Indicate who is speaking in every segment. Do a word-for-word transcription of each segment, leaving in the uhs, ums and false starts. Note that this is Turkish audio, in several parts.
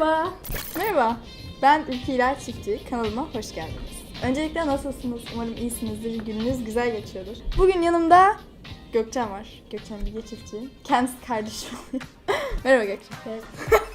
Speaker 1: Merhaba.
Speaker 2: Merhaba, ben Ülke İlal Çiftçi, kanalıma hoş geldiniz. Öncelikle nasılsınız? Umarım iyisinizdir, gününüz güzel geçiyordur. Bugün yanımda Gökçen var. Gökçen Bilge Çiftçi. Kendisi kardeşim oluyor. Merhaba Gökçen.
Speaker 1: Evet.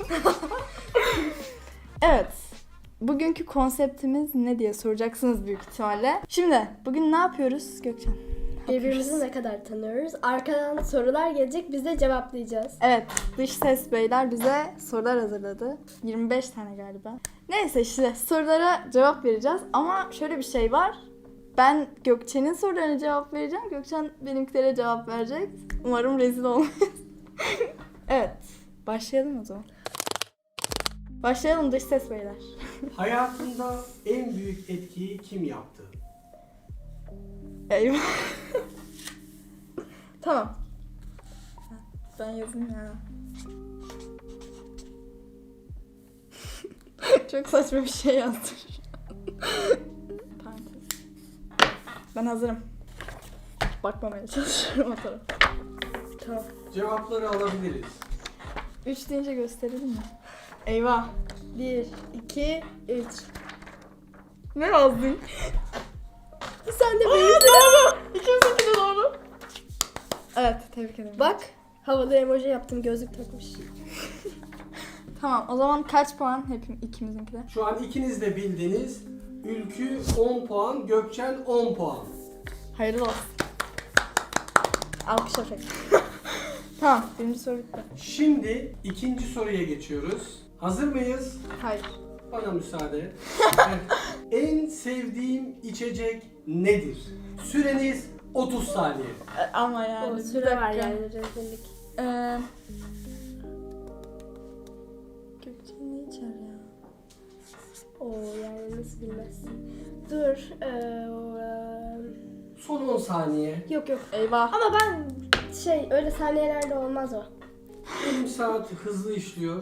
Speaker 2: Evet, bugünkü konseptimiz ne diye soracaksınız büyük ihtimalle. Şimdi, bugün ne yapıyoruz Gökçen?
Speaker 1: Birbirimizi ne kadar tanıyoruz? Arkadan sorular gelecek, biz de cevaplayacağız.
Speaker 2: Evet, dış ses beyler bize sorular hazırladı. yirmi beş tane galiba. Neyse işte sorulara cevap vereceğiz ama şöyle bir şey var. Ben Gökçen'in sorularına cevap vereceğim. Gökçen benimkilere cevap verecek. Umarım rezil olmayız. Evet, başlayalım o zaman. Başlayalım dış ses beyler.
Speaker 3: Hayatında en büyük etkiyi kim yaptı?
Speaker 2: Eyvah. Tamam. Ben yazayım ya. Çok saçma bir şey yazdım. Parantez. Ben hazırım. Bakmamaya çalışıyorum o tarafa. Tamam.
Speaker 3: Cevapları alabiliriz.
Speaker 2: Üç deyince gösterelim mi? Eyvah.
Speaker 1: Bir, iki, üç.
Speaker 2: Ne yazdın?
Speaker 1: Sen de
Speaker 2: Aa,
Speaker 1: benim.
Speaker 2: doğru. İkimizinki de doğru. Evet, tebrik ederim.
Speaker 1: Bak, havalı emoji yaptım, gözlük takmış.
Speaker 2: Tamam, o zaman kaç puan hepim ikimizinki de?
Speaker 3: Şu an ikiniz de bildiniz. Ülkü on puan, Gökçen on puan.
Speaker 2: Hayırlı olsun. Alkış efekti. Tamam, birinci soru bitti.
Speaker 3: Şimdi ikinci soruya geçiyoruz. Hazır mıyız?
Speaker 2: Hayır.
Speaker 3: Bana müsaade. Evet. En sevdiğim içecek nedir? Süreniz otuz saniye.
Speaker 2: E, ama yani
Speaker 1: O
Speaker 2: bir
Speaker 1: süre
Speaker 2: dakika.
Speaker 1: var yani, rezillik.
Speaker 2: Ee, Gökçen ne içer ya?
Speaker 1: Oo yani nasıl bilmezsin. Dur. Ee,
Speaker 3: Son on saniye.
Speaker 1: yok yok.
Speaker 2: Eyvah.
Speaker 1: Ama ben şey, öyle saniyelerde olmaz o.
Speaker 3: Benim saat hızlı işliyor.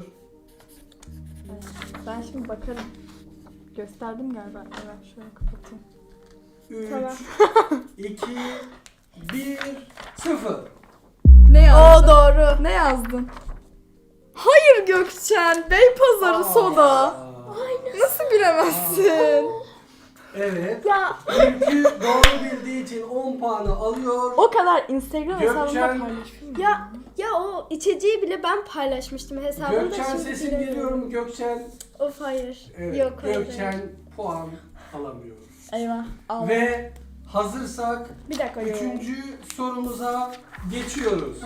Speaker 2: Ben şimdi bakarım. Gösterdim galiba. Evet, şöyle kapatayım.
Speaker 3: üç,
Speaker 1: Tamam.
Speaker 3: iki, bir, sıfır.
Speaker 2: Ne yazdın?
Speaker 1: Oo doğru.
Speaker 2: Ne yazdın? Hayır Gökçen. Beypazarı soda. Nasıl bilemezsin?
Speaker 3: Evet.
Speaker 1: Ya
Speaker 3: Ülkü doğru bildiği için on puanı alıyor.
Speaker 2: O kadar Instagram hesabımda
Speaker 3: Gökçen-
Speaker 2: paylaşıyorum.
Speaker 1: ya ya o içeceği bile ben paylaşmıştım hesabımda.
Speaker 3: Gökçen
Speaker 1: şimdi
Speaker 3: sesin
Speaker 1: bilemiyorum.
Speaker 3: geliyor mu Gökçen?
Speaker 1: Of hayır.
Speaker 3: Evet.
Speaker 1: Yok hayır.
Speaker 3: Gökçen puan alamıyor.
Speaker 2: Eyvah. Al.
Speaker 3: Ve hazırsak
Speaker 1: Bir dakika. yok.
Speaker 3: üçüncü sorumuza geçiyoruz.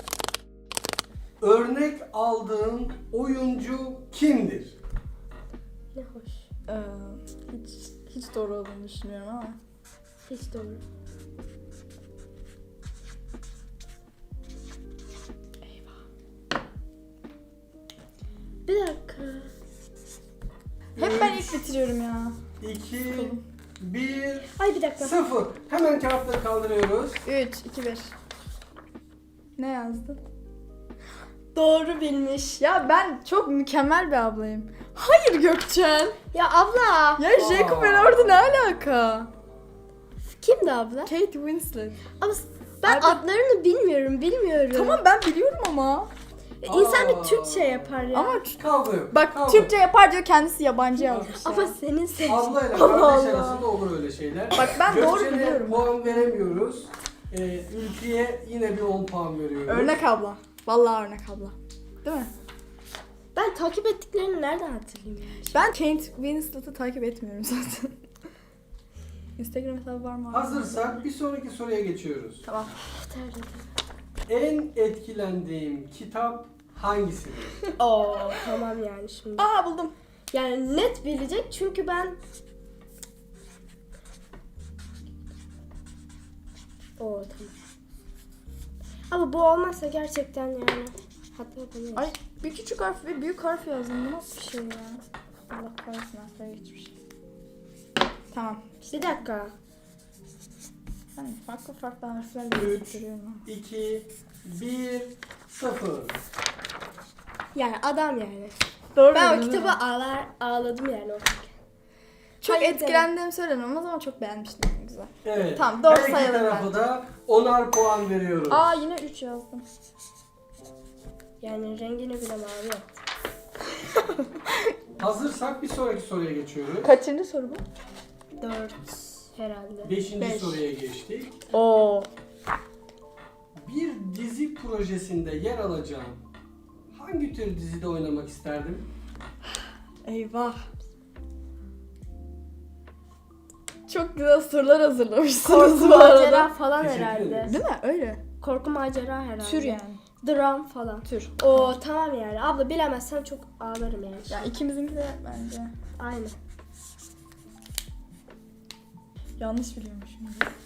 Speaker 3: Örnek aldığın oyuncu kimdir?
Speaker 1: Ne hoş.
Speaker 2: Ee, hiç hiç doğru olduğunu düşünmüyorum ama.
Speaker 1: Hiç doğru. Bir dakika.
Speaker 2: Hep ben ilk bitiriyorum ya.
Speaker 3: iki, bir,
Speaker 1: Ay bir dakika.
Speaker 3: sıfır. Hemen kağıtları kaldırıyoruz.
Speaker 2: üç, iki, bir. Ne yazdın?
Speaker 1: Doğru bilmiş.
Speaker 2: Ya ben çok mükemmel bir ablayım. Hayır Gökçen.
Speaker 1: Ya abla.
Speaker 2: Ya Jacob Elordi ne alaka?
Speaker 1: Kimdi abla?
Speaker 2: Kate Winslet.
Speaker 1: Ama ben
Speaker 2: Abi-
Speaker 1: adlarını bilmiyorum, bilmiyorum.
Speaker 2: Tamam ben biliyorum ama.
Speaker 1: İnsan
Speaker 3: Aa.
Speaker 1: bir Türkçe yapar ya.
Speaker 2: Ama
Speaker 3: Kavga yok.
Speaker 2: bak
Speaker 3: kavga.
Speaker 2: Türkçe yapar diyor kendisi yabancı yazmış ya.
Speaker 1: Ama senin ses.
Speaker 3: Ablayla
Speaker 1: Allah
Speaker 3: kardeş
Speaker 1: Allah.
Speaker 3: arasında olur öyle şeyler.
Speaker 2: Bak ben doğru
Speaker 3: Gökçen'e
Speaker 2: biliyorum.
Speaker 3: puan veremiyoruz. Ee, Ülkü'ye yine bir on puan veriyoruz.
Speaker 2: Örnek abla. Vallahi örnek abla. Değil mi?
Speaker 1: Ben takip ettiklerini nereden hatırlayayım yani?
Speaker 2: Ben Kate Winslet'ı takip etmiyorum zaten. Instagram hesabı var mı?
Speaker 3: Hazırsak bir sonraki soruya geçiyoruz.
Speaker 2: Tamam.
Speaker 1: Terledim.
Speaker 3: En etkilendiğim kitap hangisidir?
Speaker 1: Oo tamam yani şimdi.
Speaker 2: Aa buldum.
Speaker 1: Yani net bilecek çünkü ben... Oo tamam. Ama bu olmazsa gerçekten yani hata yapamayız.
Speaker 2: Ay bir küçük harf ve büyük harf yazdım. Bu nasıl bir şey ya? Allah kahretsin harflere geçmiş. Tamam.
Speaker 1: Bir dakika.
Speaker 2: Ben farklı farklı harflerle
Speaker 3: Üç.
Speaker 2: görüyorum ama.
Speaker 3: iki, bir, sıfır.
Speaker 1: Yani adam yani.
Speaker 2: Doğru
Speaker 1: Ben o
Speaker 2: bildin, değil
Speaker 1: kitabı
Speaker 2: mi?
Speaker 1: ağlar, ağladım yani okurken.
Speaker 2: Çok
Speaker 1: Hayır,
Speaker 2: etkilendiğim söylenemez ama çok beğenmiştim. Güzel.
Speaker 3: Evet.
Speaker 2: Tamam, doğru
Speaker 3: Her iki
Speaker 2: sayalım
Speaker 3: tarafa
Speaker 2: bence.
Speaker 3: da onar puan veriyoruz.
Speaker 2: Aa yine üç yazdım.
Speaker 1: Yani rengini bile mavi yaptım.
Speaker 3: Hazırsak bir sonraki soruya geçiyoruz.
Speaker 2: Kaçıncı soru bu?
Speaker 1: Dört herhalde.
Speaker 3: Beşinci
Speaker 2: Beş.
Speaker 3: soruya geçtik.
Speaker 2: Oo.
Speaker 3: Bir dizi projesinde yer alacağım. Hangi tür dizide oynamak isterdim?
Speaker 2: Eyvah. Çok güzel sorular hazırlamışsınız
Speaker 1: Korku
Speaker 2: bu arada.
Speaker 1: macera falan
Speaker 3: Teşekkür
Speaker 1: herhalde.
Speaker 3: ederiz.
Speaker 2: Değil mi? Öyle.
Speaker 1: Korku macera herhalde.
Speaker 2: Tür yani.
Speaker 1: Dram falan.
Speaker 2: Tür.
Speaker 1: Oo tamam yani. Abla bilemezsem çok ağlarım yani.
Speaker 2: Ya ikimizinki de bence.
Speaker 1: Aynı.
Speaker 2: Yanlış biliyormuşum.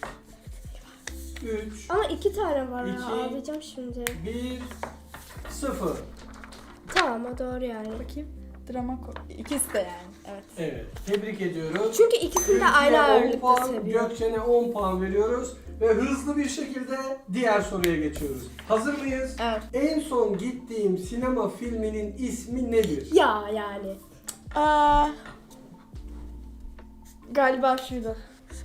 Speaker 3: üç,
Speaker 1: Ama iki tane var ya.
Speaker 3: İki.
Speaker 1: Ağlayacağım şimdi.
Speaker 3: bir, sıfır.
Speaker 1: Tamam o doğru yani.
Speaker 2: Bakayım. Drama korku. İkisi de yani. Evet.
Speaker 3: Evet, tebrik ediyoruz.
Speaker 1: Çünkü ikisini de
Speaker 3: Ülkü'ye
Speaker 1: aynı
Speaker 3: on
Speaker 1: ağırlıkta
Speaker 3: puan,
Speaker 1: seviyorum.
Speaker 3: Gökçen'e on puan veriyoruz ve hızlı bir şekilde diğer soruya geçiyoruz. Hazır mıyız?
Speaker 2: Evet.
Speaker 3: En son gittiğim sinema filminin ismi nedir?
Speaker 1: Ya yani.
Speaker 2: Aa, galiba şuydu.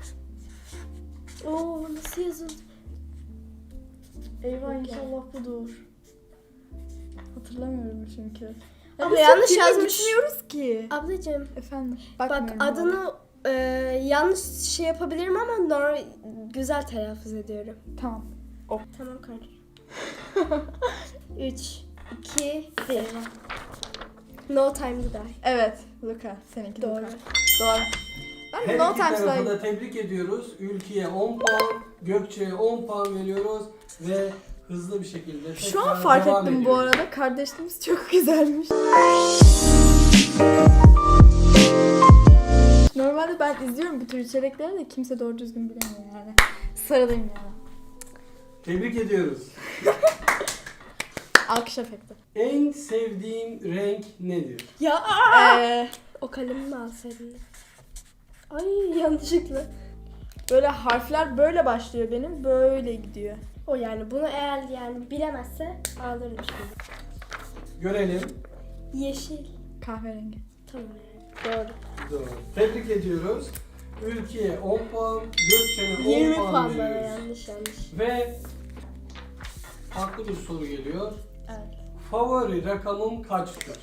Speaker 1: Oo nasıl yazıldı?
Speaker 2: Eyvah
Speaker 1: Yok
Speaker 2: inşallah budur. Hatırlamıyorum çünkü.
Speaker 1: Ama
Speaker 2: biz
Speaker 1: yanlış
Speaker 2: çok filme
Speaker 1: yazmış.
Speaker 2: gitmiyoruz ki.
Speaker 1: Ablacığım
Speaker 2: Efendim.
Speaker 1: bak
Speaker 2: bakmıyorum
Speaker 1: adını e, yanlış şey yapabilirim ama normal güzel telaffuz ediyorum.
Speaker 2: bana. Tamam.
Speaker 1: Tamam kardeşim. üç, iki, bir. No time to die.
Speaker 2: Evet. Luca. Seninki
Speaker 1: Doğru.
Speaker 2: Luca. Doğru. Ben
Speaker 3: Her
Speaker 2: de No
Speaker 3: iki
Speaker 2: Time to
Speaker 3: tarafı
Speaker 2: Die.
Speaker 3: da tebrik ediyoruz. Ülkü'ye on puan, Gökçe'ye on puan veriyoruz ve hızlı bir şekilde
Speaker 2: Şu an
Speaker 3: tekrar
Speaker 2: fark
Speaker 3: devam
Speaker 2: ettim bu
Speaker 3: ediyoruz.
Speaker 2: arada. Kardeşliğimiz çok güzelmiş. Normalde ben izliyorum bu tür içerikleri de kimse doğru düzgün bilemiyor yani. Sarılayım yani.
Speaker 3: Tebrik ediyoruz.
Speaker 2: Alkış efekti.
Speaker 3: En sevdiğim renk nedir?
Speaker 1: Ya
Speaker 2: Ee,
Speaker 1: o kalemi mi alsaydın? Ay yanlışlıkla.
Speaker 2: böyle harfler böyle başlıyor benim. Böyle gidiyor.
Speaker 1: O yani bunu eğer yani bilemezse ağlarım şimdi.
Speaker 3: Görelim.
Speaker 1: Yeşil.
Speaker 2: Kahverengi.
Speaker 1: Tamam yani. Doğru.
Speaker 3: Doğru. Tebrik ediyoruz. Ülkü'ye on puan, Gökçen'e on
Speaker 1: yirmi
Speaker 3: puan
Speaker 1: puan bana
Speaker 3: veriyoruz.
Speaker 1: yanlış yanlış.
Speaker 3: Ve farklı bir soru geliyor.
Speaker 2: Evet.
Speaker 3: Favori rakamım kaçtır?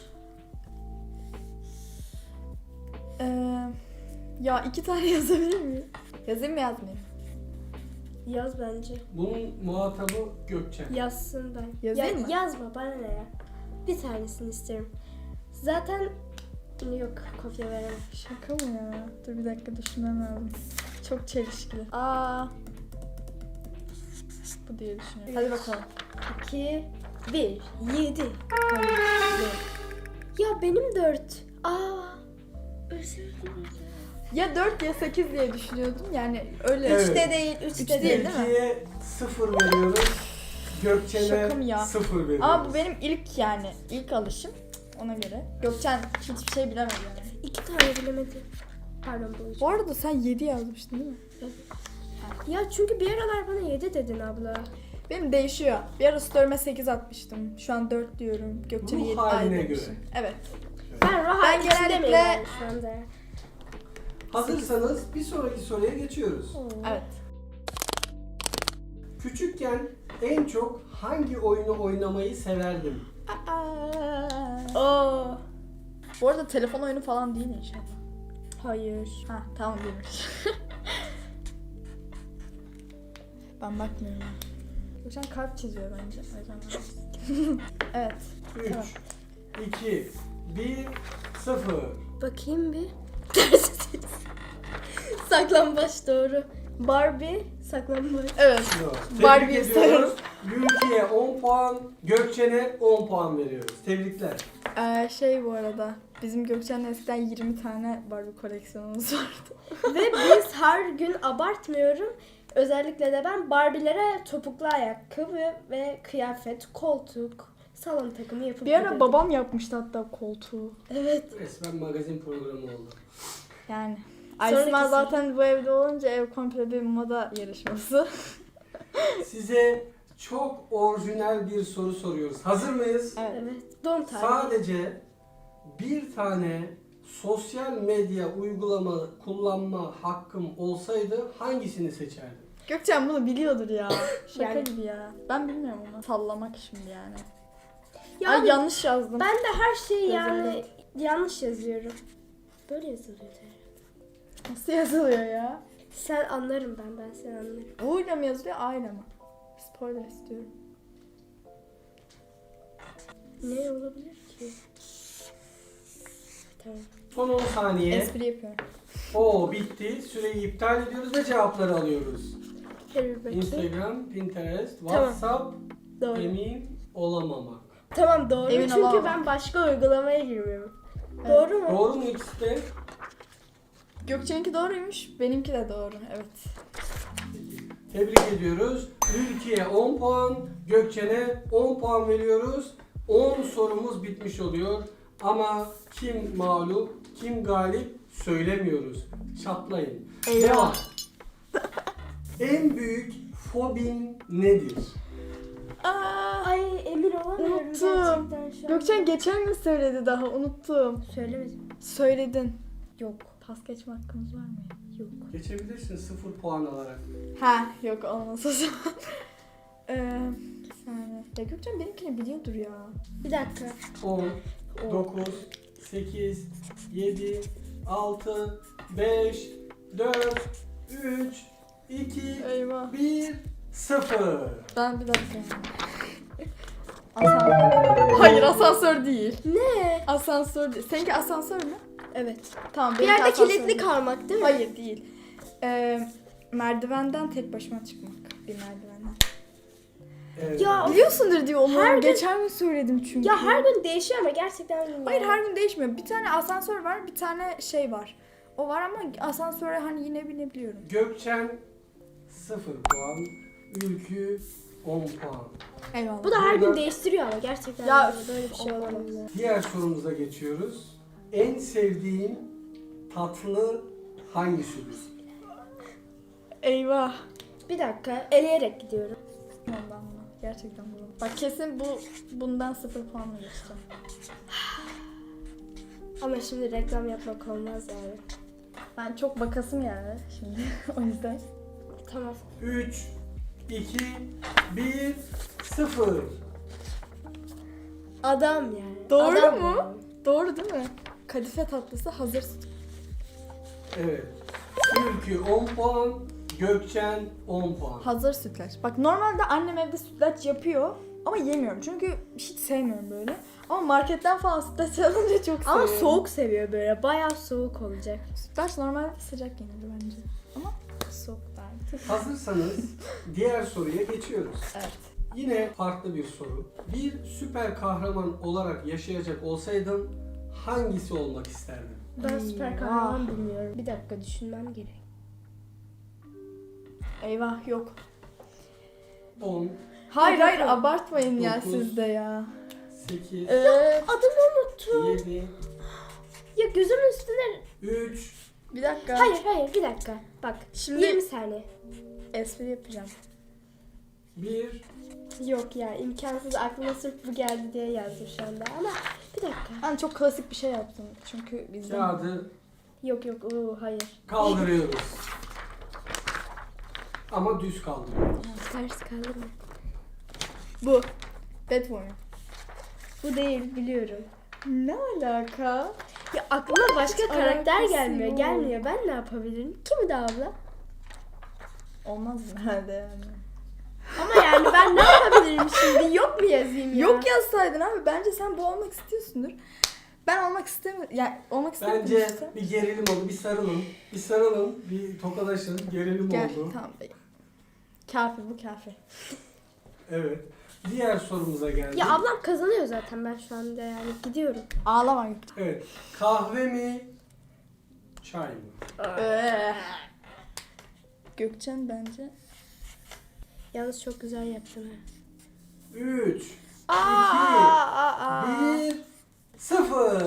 Speaker 2: Ee, ya iki tane yazabilir miyim? Yazayım mı yazmayayım?
Speaker 1: Yaz bence.
Speaker 3: Bunun muhatabı Gökçen.
Speaker 1: Yazsın ben.
Speaker 2: Yazayım
Speaker 1: ya,
Speaker 2: mı?
Speaker 1: Yazma bana ne ya. Bir tanesini isterim. Zaten yok kopya veremem.
Speaker 2: Şaka mı ya? Dur bir dakika düşünmem lazım. Çok çelişkili. Aa. Bu diye düşünüyorum. Hadi bakalım.
Speaker 1: iki, bir, yedi. Ya benim dört. Aa. Özür dilerim.
Speaker 2: Ya dört ya sekiz diye düşünüyordum. Yani öyle.
Speaker 3: Evet.
Speaker 1: Üçte değil, üçte
Speaker 2: Üçte
Speaker 1: değil.
Speaker 2: değil. mi?
Speaker 3: Ülkü'ye sıfır veriyoruz. Gökçen'e
Speaker 2: Şaka mı ya?
Speaker 3: sıfır veriyoruz.
Speaker 2: Ama bu benim ilk yani ilk alışım. Ona göre. Gökçen hiçbir şey bilemedi yani.
Speaker 1: İki tane bilemedim. Pardon bu üç.
Speaker 2: Bu arada sen yedi yazmıştın değil mi?
Speaker 1: Ya çünkü bir aralar bana yedi dedin abla.
Speaker 2: Benim değişiyor. Bir ara story'me sekiz atmıştım. Şu an dört diyorum. Gökçen'e
Speaker 3: Ruh
Speaker 2: yedi
Speaker 3: haline
Speaker 2: demişim. Evet.
Speaker 1: Ben rahat
Speaker 2: Ben
Speaker 1: ikisinde
Speaker 2: genellikle-
Speaker 1: miyim yani şu anda?
Speaker 3: Hazırsanız bir sonraki soruya geçiyoruz.
Speaker 2: Evet.
Speaker 3: Küçükken en çok hangi oyunu oynamayı severdim?
Speaker 2: Aa.
Speaker 1: Oo.
Speaker 2: Bu arada telefon oyunu falan değil inşallah.
Speaker 1: Hayır.
Speaker 2: Ha tamam değilmiş. Ben bakmıyorum. Gökçen kalp çiziyor bence. O yüzden ben- evet. Tamam.
Speaker 3: üç, iki, bir, sıfır.
Speaker 1: Bakayım bir. Saklambaç doğru. Barbie saklambaç.
Speaker 2: Evet.
Speaker 3: Tebrik
Speaker 2: Barbie'yi
Speaker 3: ediyoruz. Ülkü'ye on puan, Gökçen'e on puan veriyoruz. Tebrikler.
Speaker 2: Ee, şey bu arada. Bizim Gökçen'le eskiden yirmi tane Barbie koleksiyonumuz vardı.
Speaker 1: Ve biz her gün abartmıyorum. Özellikle de ben Barbie'lere topuklu ayakkabı ve kıyafet, koltuk, salon takımı yapıp
Speaker 2: Bir ara
Speaker 1: giderim.
Speaker 2: babam yapmıştı hatta koltuğu.
Speaker 1: Evet.
Speaker 3: Resmen magazin programı oldu.
Speaker 2: Yani.
Speaker 1: Sonraki
Speaker 2: Aysma
Speaker 1: soru.
Speaker 2: zaten bu evde olunca ev komple bir moda yarışması.
Speaker 3: Size çok orijinal bir soru soruyoruz. Hazır mıyız?
Speaker 2: Evet.
Speaker 1: Evet. Don tarihi.
Speaker 3: Sadece bir tane sosyal medya uygulama kullanma hakkım olsaydı hangisini seçerdim?
Speaker 2: Gökçen bunu biliyordur ya. Şaka
Speaker 1: Yani-
Speaker 2: gibi ya. Ben bilmiyorum onu. Sallamak şimdi yani.
Speaker 1: Ya
Speaker 2: Ay
Speaker 1: abi,
Speaker 2: yanlış yazdım.
Speaker 1: ben de her şeyi
Speaker 2: Özür
Speaker 1: yani
Speaker 2: dilerim.
Speaker 1: yanlış yazıyorum. Böyle yazılıyor herhalde.
Speaker 2: Nasıl yazılıyor ya?
Speaker 1: Sen anlarım ben, ben seni anlarım.
Speaker 2: U ile mi yazılıyor, A ile mi? Spoiler istiyorum.
Speaker 1: Ne olabilir ki? Tamam.
Speaker 3: Son on saniye.
Speaker 2: Espri yapıyorum.
Speaker 3: Oo bitti. Süreyi iptal ediyoruz ve cevapları alıyoruz.
Speaker 1: Gel bir bakayım.
Speaker 3: Instagram, Pinterest,
Speaker 1: Tamam.
Speaker 3: WhatsApp,
Speaker 1: Doğru.
Speaker 3: emin olamamak.
Speaker 1: Tamam doğru.
Speaker 2: Emin
Speaker 1: Çünkü
Speaker 2: olamam.
Speaker 1: ben başka uygulamaya girmiyorum.
Speaker 2: Evet.
Speaker 1: Doğru mu?
Speaker 3: Doğru mu ikisi de?
Speaker 2: Gökçe'ninki doğruymuş, benimki de doğru. Evet.
Speaker 3: Tebrik ediyoruz. Ülkü'ye on puan, Gökçen'e on puan veriyoruz. on sorumuz bitmiş oluyor. Ama kim mağlup, kim galip söylemiyoruz. Çatlayın.
Speaker 2: Eyvah.
Speaker 3: Devam. En büyük fobin nedir?
Speaker 2: Aa,
Speaker 1: Ay emin olamıyorum
Speaker 2: Unuttum.
Speaker 1: gerçekten şu an.
Speaker 2: Gökçen geçen gün söyledi daha, unuttum.
Speaker 1: Söylemedim.
Speaker 2: Söyledin.
Speaker 1: Yok.
Speaker 2: Pas geçme hakkımız var mı?
Speaker 1: Yok.
Speaker 3: Geçebilirsin sıfır puan alarak.
Speaker 2: Ha, yok olmaz o zaman. Eee, bir saniye. Ya Gökçen benimkini biliyordur ya.
Speaker 1: Bir dakika.
Speaker 3: on, dokuz, sekiz, yedi, altı, beş, dört, üç, iki,
Speaker 2: Eyvah.
Speaker 3: bir, sıfır.
Speaker 2: Ben bir dakika. Asansör. Hayır, asansör değil.
Speaker 1: Ne?
Speaker 2: Asansör değil. Seninki asansör mü?
Speaker 1: Evet.
Speaker 2: Tamam,
Speaker 1: Bir
Speaker 2: benimki
Speaker 1: yerde
Speaker 2: asansör
Speaker 1: kilitli
Speaker 2: değil.
Speaker 1: kalmak değil mi?
Speaker 2: Hayır değil. Ee, merdivenden tek başıma çıkmak. Bir merdivenden.
Speaker 3: Evet.
Speaker 1: Ya
Speaker 2: Biliyorsundur diye onu.
Speaker 1: Her gün-
Speaker 2: Geçen gün söyledim çünkü.
Speaker 1: Ya her gün değişiyor ama gerçekten bilmiyorum.
Speaker 2: Hayır, her gün değişmiyor. Bir tane asansör var, bir tane şey var. O var ama asansöre hani yine binebiliyorum.
Speaker 3: Gökçen sıfır puan, Ülkü on puan.
Speaker 2: Eyvallah.
Speaker 1: Bu da her gün
Speaker 3: Burada-
Speaker 1: değiştiriyor ama gerçekten
Speaker 2: Ya,
Speaker 1: böyle bir şey
Speaker 2: olamaz.
Speaker 1: olamaz.
Speaker 3: Diğer sorumuza geçiyoruz. En sevdiğin tatlı hangisidir?
Speaker 2: Eyvah.
Speaker 1: Bir dakika eleyerek gidiyorum.
Speaker 2: Ondan mı? Gerçekten bu. Bak kesin bu bundan sıfır puanla geçeceğim.
Speaker 1: Ama şimdi reklam yapmak olmaz yani.
Speaker 2: Ben çok bakasım yani şimdi o yüzden.
Speaker 1: Tamam.
Speaker 3: üç, iki, bir, sıfır.
Speaker 1: Adam yani.
Speaker 2: Doğru
Speaker 1: Adam
Speaker 2: mu?
Speaker 1: yani.
Speaker 2: Doğru değil mi? Kadife tatlısı hazır süt.
Speaker 3: Evet. Ülkü on puan, Gökçen on puan.
Speaker 2: Hazır sütlaç. Bak normalde annem evde sütlaç yapıyor ama yemiyorum çünkü hiç sevmiyorum böyle. Ama marketten falan sütlaç alınca çok seviyorum.
Speaker 1: Ama soğuk seviyor böyle. Bayağı soğuk olacak.
Speaker 2: Sütlaç normalde sıcak yenir bence. Ama soğuk değil.
Speaker 3: Hazırsanız diğer soruya geçiyoruz.
Speaker 2: Evet.
Speaker 3: Yine farklı bir soru. Bir süper kahraman olarak yaşayacak olsaydın hangisi olmak isterdin?
Speaker 1: Ben süper
Speaker 2: Eyvah.
Speaker 1: kahraman bilmiyorum. Bir dakika düşünmem gerek.
Speaker 2: Eyvah yok.
Speaker 3: on,
Speaker 2: Hayır
Speaker 1: Hadi
Speaker 2: hayır
Speaker 1: bakalım.
Speaker 2: abartmayın ya
Speaker 3: Dokuz.
Speaker 2: siz de ya.
Speaker 3: sekiz,
Speaker 2: Ee,
Speaker 1: Adımı unuttum.
Speaker 3: yedi,
Speaker 1: Ya gözümün üstüne...
Speaker 3: üç,
Speaker 2: bir dakika.
Speaker 1: Hayır hayır bir dakika. Bak
Speaker 2: Şimdi-
Speaker 1: yirmi saniye.
Speaker 2: Espri yapacağım.
Speaker 3: bir.
Speaker 1: Yok ya imkansız aklıma sırf bu geldi diye yazdım şu anda ama bir dakika.
Speaker 2: Ben çok klasik bir şey yaptım çünkü bizden.
Speaker 3: Kağıdı
Speaker 1: Yok yok uu, hayır.
Speaker 3: kaldırıyoruz. Ama düz kaldırıyoruz.
Speaker 1: Ters kaldı mı?
Speaker 2: Bu. Batwoman.
Speaker 1: Bu değil biliyorum.
Speaker 2: Ne alaka?
Speaker 1: Ya aklıma başka
Speaker 2: Hiç
Speaker 1: karakter
Speaker 2: alakası
Speaker 1: gelmiyor
Speaker 2: yok.
Speaker 1: gelmiyor. Ben ne yapabilirim? Kim de abla?
Speaker 2: Olmaz herhalde yani.
Speaker 1: Ama yani ben ne yapabilirim şimdi? Yok mu yazayım ya?
Speaker 2: Yok yazsaydın abi. Bence sen bu olmak istiyorsundur. Ben olmak istemiyorum. Yani olmak istemiyorum
Speaker 3: Bence
Speaker 2: işte.
Speaker 3: bir gerilim oldu. Bir sarılın. Bir sarılın. Bir tokalaşın. Gerilim
Speaker 2: Gel
Speaker 3: oldu.
Speaker 2: tamam bey. Kafi bu kafi.
Speaker 3: Evet. Diğer sorumuza geldik.
Speaker 1: Ya ablam kazanıyor zaten ben şu anda yani gidiyorum.
Speaker 2: Ağlama.
Speaker 3: Evet. Kahve mi? Çay mı?
Speaker 2: Ee. Gökçen bence.
Speaker 1: Yalnız çok güzel yaptın ha.
Speaker 3: üç,
Speaker 1: Aa, aa, aa.
Speaker 3: bir, sıfır.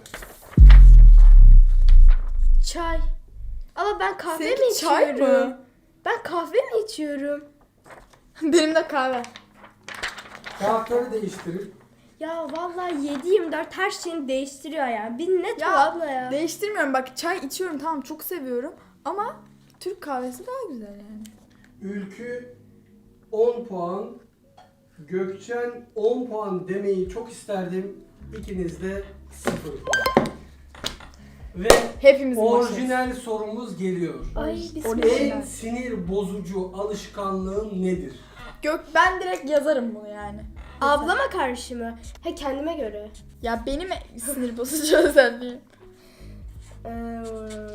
Speaker 1: Çay. Ama ben kahve
Speaker 2: Seninki
Speaker 1: mi
Speaker 2: çay
Speaker 1: içiyorum?
Speaker 2: mı?
Speaker 1: Ben kahve mi içiyorum?
Speaker 2: Benim de kahve.
Speaker 3: Kağıtları değiştirip
Speaker 1: Ya vallahi yedi yirmi dört her şeyini değiştiriyor ya. Bir net
Speaker 2: Ya,
Speaker 1: bu abla ya.
Speaker 2: Değiştirmiyorum. Bak çay içiyorum tamam çok seviyorum. Ama Türk kahvesi daha güzel yani.
Speaker 3: Ülkü on puan, Gökçen on puan demeyi çok isterdim İkiniz de sıfır puan. Ve
Speaker 2: Hepimizin
Speaker 3: orijinal sorumuz geliyor.
Speaker 1: Ay
Speaker 2: Orijinal.
Speaker 1: bismillah.
Speaker 3: En sinir bozucu alışkanlığın nedir?
Speaker 2: Gök ben direkt yazarım bunu yani.
Speaker 1: Ablama karşı mı? He kendime göre.
Speaker 2: Ya benim sinir bozucu özelliğim.
Speaker 1: Ee,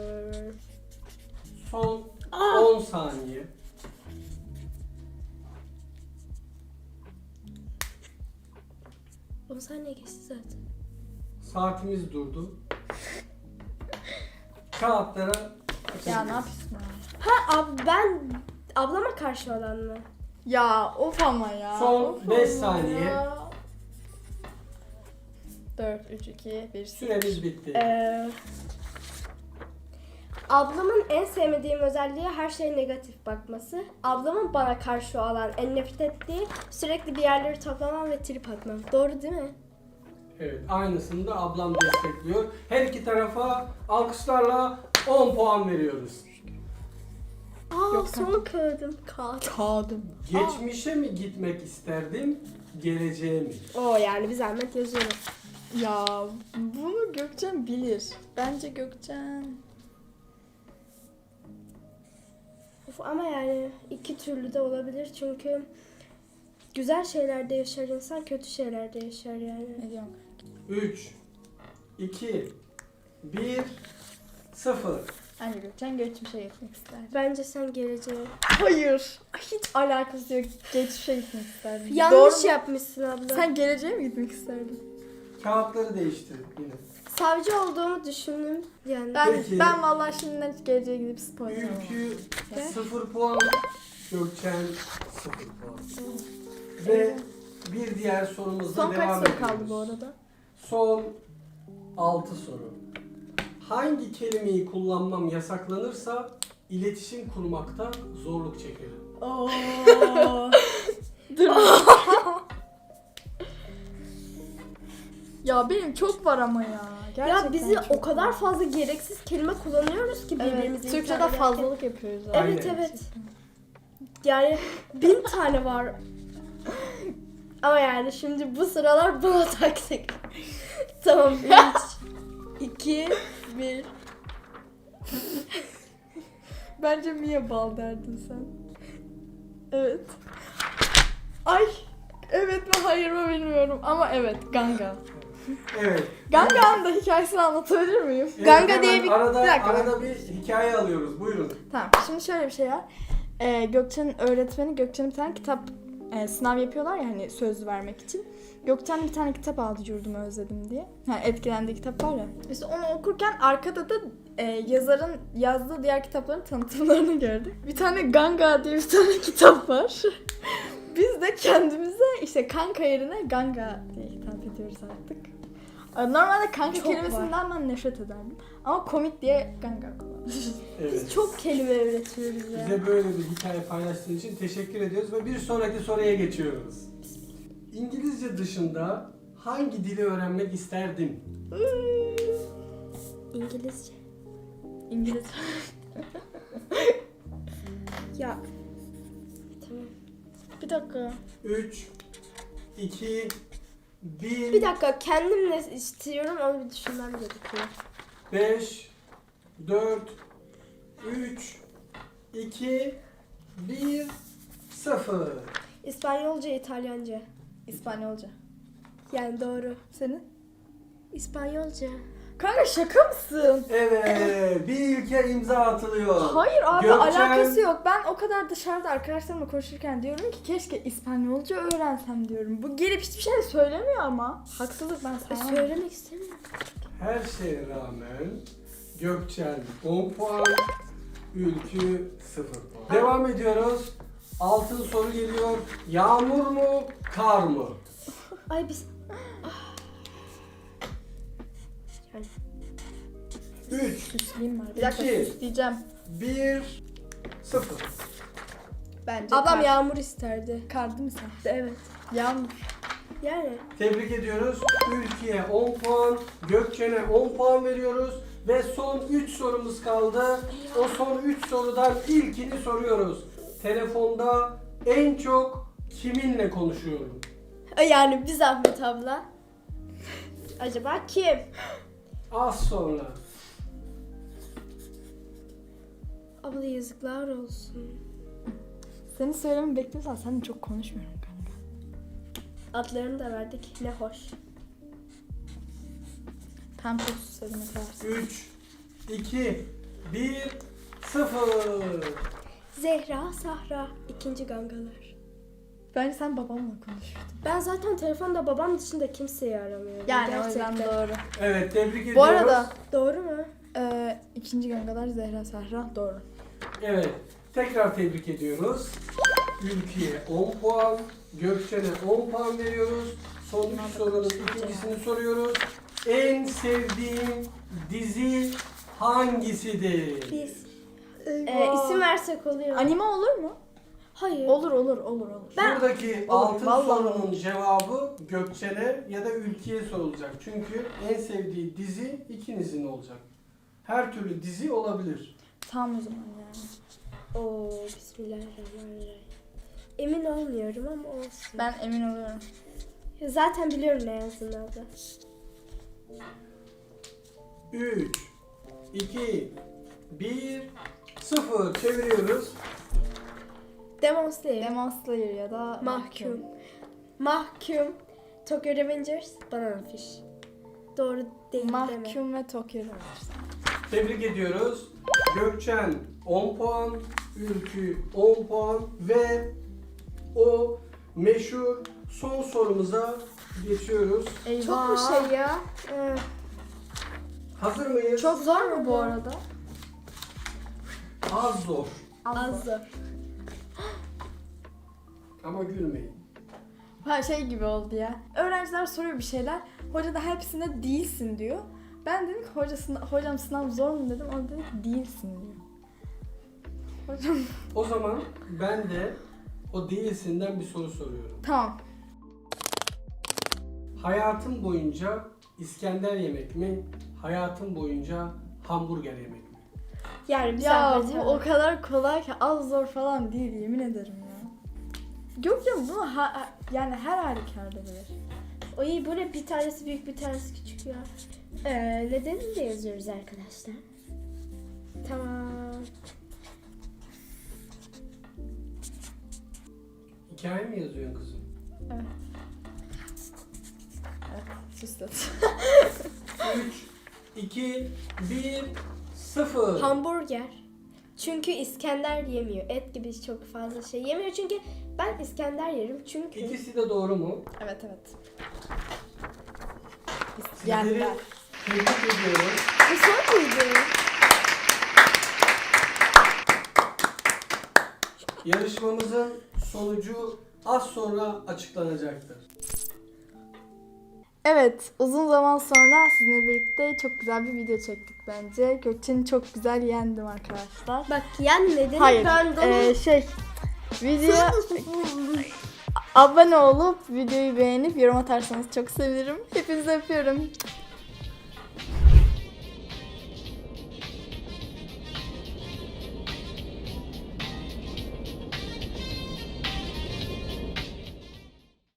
Speaker 3: Son
Speaker 1: Aa!
Speaker 3: on saniye.
Speaker 1: on saniye geçti zaten.
Speaker 3: Saatimiz durdu. Kağıtlara
Speaker 2: Ya ne yapıyorsun ya?
Speaker 1: Ha ab ben ablama karşı olan mı?
Speaker 2: Ya of ama ya.
Speaker 3: Son
Speaker 2: of
Speaker 3: beş
Speaker 2: ama
Speaker 3: saniye.
Speaker 2: ya. dört, üç, iki, bir.
Speaker 3: Süremiz bitti.
Speaker 1: Ee, ablamın en sevmediğim özelliği her şeye negatif bakması. Ablamın bana karşı olan en nefret ettiği sürekli bir yerleri toplamam ve trip atmam. Doğru değil mi?
Speaker 3: Evet, aynısını da ablam destekliyor. Her iki tarafa alkışlarla on puan veriyoruz.
Speaker 1: Aa
Speaker 2: Yok,
Speaker 1: son kağıdım. Kağıt.
Speaker 2: Kağıdım.
Speaker 3: Geçmişe mi gitmek isterdim, geleceğe mi?
Speaker 1: Oo yani bir zahmet yazıyorum.
Speaker 2: Ya bunu Gökçen bilir. Bence Gökçen.
Speaker 1: Of, ama yani iki türlü de olabilir çünkü güzel şeylerde yaşar insan, kötü şeylerde yaşar yani.
Speaker 2: Ne diyorum?
Speaker 3: üç, iki, bir, sıfır.
Speaker 2: Bence Gökçen geçmişe gitmek ister.
Speaker 1: Bence sen geleceğe.
Speaker 2: Hayır. Hiç alakası yok. Geçmişe gitmek isterdim.
Speaker 1: Yanlış
Speaker 2: Doğru mu?
Speaker 1: yapmışsın abla.
Speaker 2: Sen geleceğe mi gitmek isterdin?
Speaker 3: Kağıtları değiştir yine.
Speaker 1: Savcı olduğumu düşündüm yani.
Speaker 2: Ben
Speaker 3: Peki.
Speaker 2: ben vallahi şimdiden hiç geleceğe gidip spoiler olmam.
Speaker 3: Ülkü
Speaker 1: Ne?
Speaker 3: sıfır puan, Gökçen sıfır puan. Ve bir diğer sorumuzla
Speaker 2: Son
Speaker 3: devam
Speaker 2: kaç soru
Speaker 3: ediyoruz.
Speaker 2: kaldı bu arada?
Speaker 3: Son altı soru. Hangi kelimeyi kullanmam yasaklanırsa iletişim kurmakta zorluk çekerim?
Speaker 1: Oo.
Speaker 2: Dur. Ya benim çok var ama ya. Gerçekten
Speaker 1: Ya bizi
Speaker 2: çok
Speaker 1: o kadar
Speaker 2: var.
Speaker 1: fazla gereksiz kelime kullanıyoruz ki
Speaker 2: Evet,
Speaker 1: birbirimizi
Speaker 2: Türkçe'de
Speaker 1: itham ederken.
Speaker 2: fazlalık yapıyoruz. abi.
Speaker 3: Aynen.
Speaker 1: Evet evet. Yani bin tane var. Ama yani şimdi bu sıralar buna taktık. Tamam. üç, iki, bir.
Speaker 2: Bence Mia Bal derdin sen. Evet. Ay. Evet mi hayır mı bilmiyorum ama evet Ganga.
Speaker 3: Evet.
Speaker 2: Ganga'nın da hikayesini anlatabilir miyim?
Speaker 3: Evet,
Speaker 1: Ganga
Speaker 3: hemen
Speaker 1: diye bir-
Speaker 3: arada,
Speaker 2: bir dakika.
Speaker 3: arada bir hikaye alıyoruz. Buyurun.
Speaker 2: Tamam şimdi şöyle bir şey var. Ee, Gökçen'in öğretmeni Gökçen'in bir tane kitap e, sınav yapıyorlar ya hani söz vermek için. Gökçen bir tane kitap aldı Yurdumu Özledim diye. Yani etkilendiği kitap var ya. İşte onu okurken arkada da e, yazarın yazdığı diğer kitapların tanıtımlarını gördük. Bir tane Ganga diye bir tane kitap var. Biz de kendimize işte kanka yerine Ganga diye hitap ediyoruz artık. Normalde kanka
Speaker 1: Çok
Speaker 2: kelimesinden ben nefret ederdim. Ama komik diye Ganga kullanıyoruz.
Speaker 3: Evet.
Speaker 1: Biz çok kelime öğretiyoruz ya.
Speaker 3: Bize böyle bir hikaye paylaştığın için teşekkür ediyoruz ve bir sonraki soruya geçiyoruz. İngilizce dışında hangi dili öğrenmek isterdim?
Speaker 1: İngilizce.
Speaker 2: İngiliz.
Speaker 1: Ya. Tamam.
Speaker 2: Bir dakika.
Speaker 3: üç, iki, bir,
Speaker 1: Bir dakika kendim ne istiyorum onu bir düşünmem gerekiyor.
Speaker 3: beş, dört, üç, iki, bir, sıfır.
Speaker 1: İspanyolca, İtalyanca.
Speaker 2: İspanyolca.
Speaker 1: Yani doğru.
Speaker 2: Senin?
Speaker 1: İspanyolca.
Speaker 2: Kanka şaka mısın?
Speaker 3: Evet, bir ilke imza atılıyor.
Speaker 2: Hayır abi
Speaker 3: Gökçen-
Speaker 2: alakası yok. Ben o kadar dışarıda arkadaşlarımla konuşurken diyorum ki keşke İspanyolca öğrensem diyorum. Bu gelip hiçbir şey söylemiyor ama. Haksızlık ben
Speaker 1: E,
Speaker 2: sana.
Speaker 1: söylemek istemiyorum.
Speaker 3: Her şeye rağmen Gökçen on puan, Ülkü sıfır puan. Devam ediyoruz. Altın soru geliyor. Yağmur mu, kar mı?
Speaker 1: Ay biz... Yani
Speaker 3: üç,
Speaker 2: Süsleyeyim var. Bir dakika
Speaker 3: İki.
Speaker 2: süsleyeceğim.
Speaker 3: bir, sıfır.
Speaker 2: Bence
Speaker 1: ablam
Speaker 2: kar.
Speaker 1: yağmur isterdi.
Speaker 2: Kar değil mi sen?
Speaker 1: Evet.
Speaker 2: Yağmur.
Speaker 1: Yani.
Speaker 3: Tebrik ediyoruz. Ülkü'ye on puan, Gökçen'e on puan veriyoruz. Ve son üç sorumuz kaldı. O son üç sorudan ilkini soruyoruz. Telefonda en çok kiminle konuşuyorum?
Speaker 1: Yani bir zahmet abla. Acaba kim?
Speaker 3: Az sonra.
Speaker 1: Abla yazıklar olsun.
Speaker 2: Seni söylememi bekliyorsan sen de çok konuşmuyorum kanka.
Speaker 1: Adlarını da verdik. Ne hoş.
Speaker 2: Tam çok susadım mesela.
Speaker 3: üç, iki, bir, sıfır.
Speaker 1: Zehra, Sahra. İkinci gangalar.
Speaker 2: Bence sen babamla konuşurdun.
Speaker 1: Ben zaten telefonda babam dışında kimseyi aramıyorum.
Speaker 2: Yani o yüzden doğru.
Speaker 3: Evet, tebrik ediyoruz.
Speaker 2: Bu arada
Speaker 1: Doğru mu?
Speaker 2: e, ikinci gangalar Zehra Sahra doğru.
Speaker 3: Evet, tekrar tebrik ediyoruz. Ülkü'ye on puan, Gökçen'e on puan veriyoruz. Son üç sorunun ikincisini soruyoruz. En sevdiğin dizi hangisidir?
Speaker 1: Biz. Ee, isim versek oluyor.
Speaker 2: Anime olur mu?
Speaker 1: Hayır.
Speaker 2: Olur olur olur olur.
Speaker 1: Ben-
Speaker 3: Buradaki
Speaker 2: Olur,
Speaker 3: altın
Speaker 2: vallahi
Speaker 3: sorunun cevabı Gökçen'e ya da Ülkü'ye sorulacak. Çünkü en sevdiği dizi ikinizin olacak. Her türlü dizi olabilir.
Speaker 2: Tamam o zaman yani.
Speaker 1: Oo, bismillahirrahmanirrahim. Emin olmuyorum ama olsun.
Speaker 2: Ben emin oluyorum.
Speaker 1: Zaten biliyorum ne yazdığını abla.
Speaker 3: üç, iki, bir, sıfır. Çeviriyoruz.
Speaker 1: Demon Slayer.
Speaker 2: Demon Slayer ya da
Speaker 1: Mahkum. Mahkum. Tokyo Revengers. Banana Fish. Doğru değil deme.
Speaker 2: Mahkum ve Tokyo Revengers.
Speaker 3: Tebrik ediyoruz. Gökçen on puan, Ülkü on puan ve o meşhur son sorumuza geçiyoruz.
Speaker 2: Eyvah.
Speaker 1: Çok mu şey ya? Ee,
Speaker 3: Hazır mıyız?
Speaker 2: Çok zor mu bu arada?
Speaker 3: Az zor.
Speaker 1: az zor.
Speaker 3: Ama gülmeyin.
Speaker 2: Ha şey gibi oldu ya. Öğrenciler soruyor bir şeyler. Hoca da hepsinde değilsin diyor. Ben dedim ki hoca sınav, hocam sınav zor mu dedim. O dedi ki değilsin diyor. Hocam
Speaker 3: O zaman ben de o değilsinden bir soru soruyorum.
Speaker 2: tamam.
Speaker 3: Hayatın boyunca İskender yemek mi? Hayatın boyunca hamburger yemek mi?
Speaker 1: Yani bir
Speaker 2: Ya
Speaker 1: zahmet
Speaker 2: bu
Speaker 1: değil mi?
Speaker 2: o kadar kolay ki az zor falan değil yemin ederim ya. Yok ya bunu ha, ha- yani her halükarda bilir.
Speaker 1: O iyi, bu ne? Bir tanesi büyük, bir tanesi küçük ya. Ee, nedenini de yazıyoruz arkadaşlar. Tamam.
Speaker 3: Hikaye mi yazıyorsun kızım?
Speaker 2: Evet. Evet süslet.
Speaker 3: üç, iki, bir, sıfır.
Speaker 1: Hamburger. Çünkü İskender yemiyor. Et gibi çok fazla şey yemiyor. Çünkü ben İskender yerim. Çünkü
Speaker 3: İkisi de doğru mu?
Speaker 2: Evet evet.
Speaker 3: Sizleri
Speaker 2: Yendiler.
Speaker 3: tebrik ediyorum.
Speaker 1: bu son muydu?
Speaker 3: Yarışmamızın sonucu az sonra açıklanacaktır.
Speaker 2: Evet, uzun zaman sonra sizinle birlikte çok güzel bir video çektik bence. Gökçen'i çok güzel yendim arkadaşlar.
Speaker 1: Bak yenmedin.
Speaker 2: Hayır,
Speaker 1: Ben de
Speaker 2: ee, şey, videoya abone olup videoyu beğenip yorum atarsanız çok sevinirim. Hepinizi öpüyorum.